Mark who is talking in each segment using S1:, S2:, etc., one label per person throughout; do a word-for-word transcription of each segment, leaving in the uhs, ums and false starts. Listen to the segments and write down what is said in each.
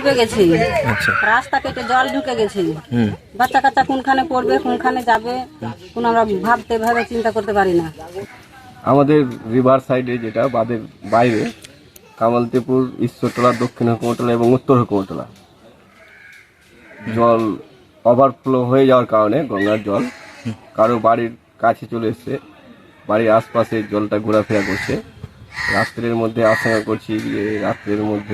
S1: ডুবে গেছে, রাস্তা কেটে জল ঢুকে গেছে। বাচ্চা কাচ্চা কোনখানে পড়বে, কোনখানে যাবে, কোন আমরা ভাবতে ভাবে চিন্তা করতে পারি না।
S2: আমাদের রিভার সাইডে যেটা বাঁধের বাইরে কামালতিপুর, ঈশ্বরতলা, দক্ষিণ হুকুমতলা এবং উত্তর হুকুমতলা জল ওভারফ্লো হয়ে যাওয়ার কারণে গঙ্গার জল কারো বাড়ির কাছে চলে এসছে, বাড়ির আশপাশে জলটা ঘোরাফেরা করছে। রাত্রের মধ্যে আশঙ্কা করছি যে রাত্রের মধ্যে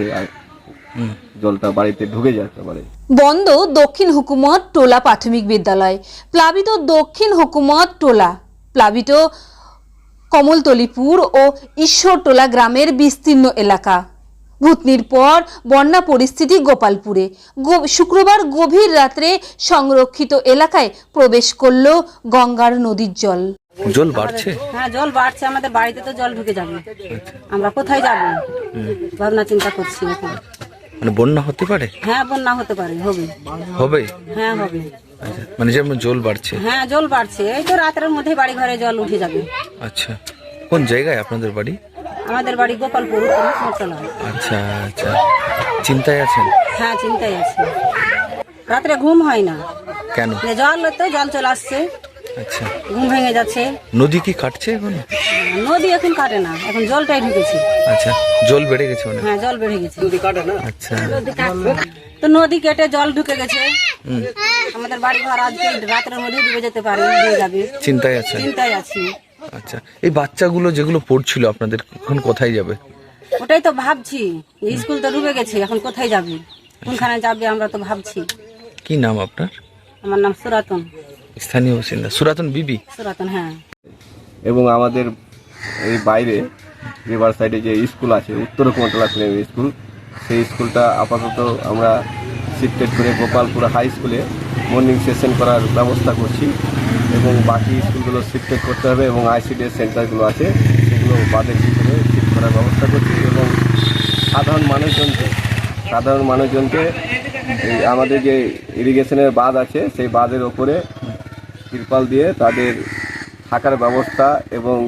S2: জলটা বাড়িতে ঢুকে যেতে পারে।
S3: বন্ধ দক্ষিণ হুকুমত টোলা প্রাথমিক বিদ্যালয়, প্লাবিত দক্ষিণ হুকুমত টোলা, প্লাবিত কমলতলিপুর ও ঈশ্বরটোলা গ্রামের বিস্তীর্ণ এলাকা। ভূতনির পর বন্যা পরিস্থিতি গোপালপুরে। শুক্রবার গভীর রাত্রে সংরক্ষিত এলাকায় প্রবেশ করল গঙ্গার নদীর জল।
S4: জল বাড়ছে?
S1: হ্যাঁ, জল বাড়ছে, আমাদের বাড়িতে তো জল ঢুকে যাবে, আমরা কোথায় যাব ভাবনা চিন্তা করছি এখন।
S4: মানে বন্যা হতে পারে?
S1: হ্যাঁ, বন্যা হতে পারে, হবে
S4: হবে
S1: হ্যাঁ হবে।
S4: আচ্ছা, মানে যেমন জল বাড়ছে?
S1: হ্যাঁ, জল বাড়ছে, এই তো রাতের মধ্যে বাড়ি ঘরে জল উঠে যাবে।
S4: আচ্ছা, কোন জায়গায় আপনাদের বাড়ি?
S1: আমাদের বাড়ি গোপালপুর, উত্তরতলা।
S4: আচ্ছা আচ্ছা, চিন্তায় আছেন?
S1: হ্যাঁ, চিন্তায় আছি, রাত্রে ঘুম হয় না।
S4: কেন?
S1: জল তো জল চলে আসছে,
S4: আচ্ছা,
S1: ঘুম ভেঙে যাচ্ছে।
S4: নদী কি কাটছে এখন?
S1: নদী এখন কাটে না, এখন জলটাই ঢুকেছে।
S4: আচ্ছা, জল বেড়ে গেছে অনেক?
S1: হ্যাঁ, জল বেড়ে গেছে।
S4: আচ্ছা,
S1: তো নদী কেটে জল ঢুকে গেছে, আমাদের বাড়ি ঘর আজকে রাতের মধ্যে ডুবে যেতে পারে, ডুবে যাবে।
S4: চিন্তায় আছেন?
S1: চিন্তায় আছি।
S4: আচ্ছা, এই বাচ্চাগুলো যেগুলো পড়ছিল আপনাদের, এখন কোথায় যাবে?
S1: ওটাই তো ভাবছি, স্কুল তো ডুবে গেছে, এখন কোথায় যাবে, কোনখানে যাবে আমরা তো ভাবছি।
S4: কি নাম আপনার?
S1: আমার নাম সুরাতন।
S4: স্থানীয় বাসিন্দা সুরাতন বিবি?
S1: সুরাতন, হ্যাঁ।
S2: এবং আমাদের এই বাইরে রিভার সাইডে যে স্কুল আছে উত্তর হুকুমতলা প্রাইমারি স্কুল, সেই স্কুলটা আপাতত আমরা শিফটেড করে গোপালপুর হাই স্কুলে মর্নিং সেশন করার ব্যবস্থা করছি এবং বাকি স্কুলগুলো শিফটেড করতে হবে এবং আইসিডিএস সেন্টারগুলো আছে সেগুলো বাদের ভিতরে শিফট করার ব্যবস্থা করছি এবং সাধারণ মানুষজনকে সাধারণ মানুষজনকে এই আমাদের যে ইরিগেশনের বাঁধ আছে সেই বাঁধের ওপরে তিরপাল দিয়ে তাদের থাকার ব্যবস্থা এবং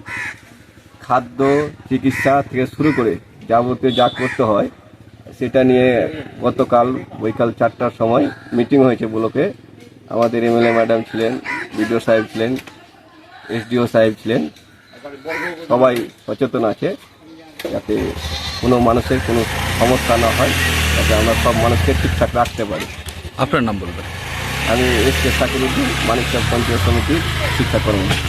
S2: খাদ্য, চিকিৎসা থেকে শুরু করে যাবতীয় যা করতে হয় সেটা নিয়ে গতকাল বৈকাল চারটার সময় মিটিং হয়েছে ব্লকে। আমাদের এমএলএ ম্যাডাম ছিলেন, বিডিও সাহেব ছিলেন, এসডিও সাহেব ছিলেন, সবাই সচেতন আছে যাতে কোনো মানুষের কোনো সমস্যা না হয়, যাতে আমরা সব মানুষকে ঠিকঠাক রাখতে পারি।
S4: আপনার নাম বলবেন?
S2: আমি এস কে সাকিরুদ্দিন, মানিকচক পঞ্চায়েত সমিতির শিক্ষা কর্মী।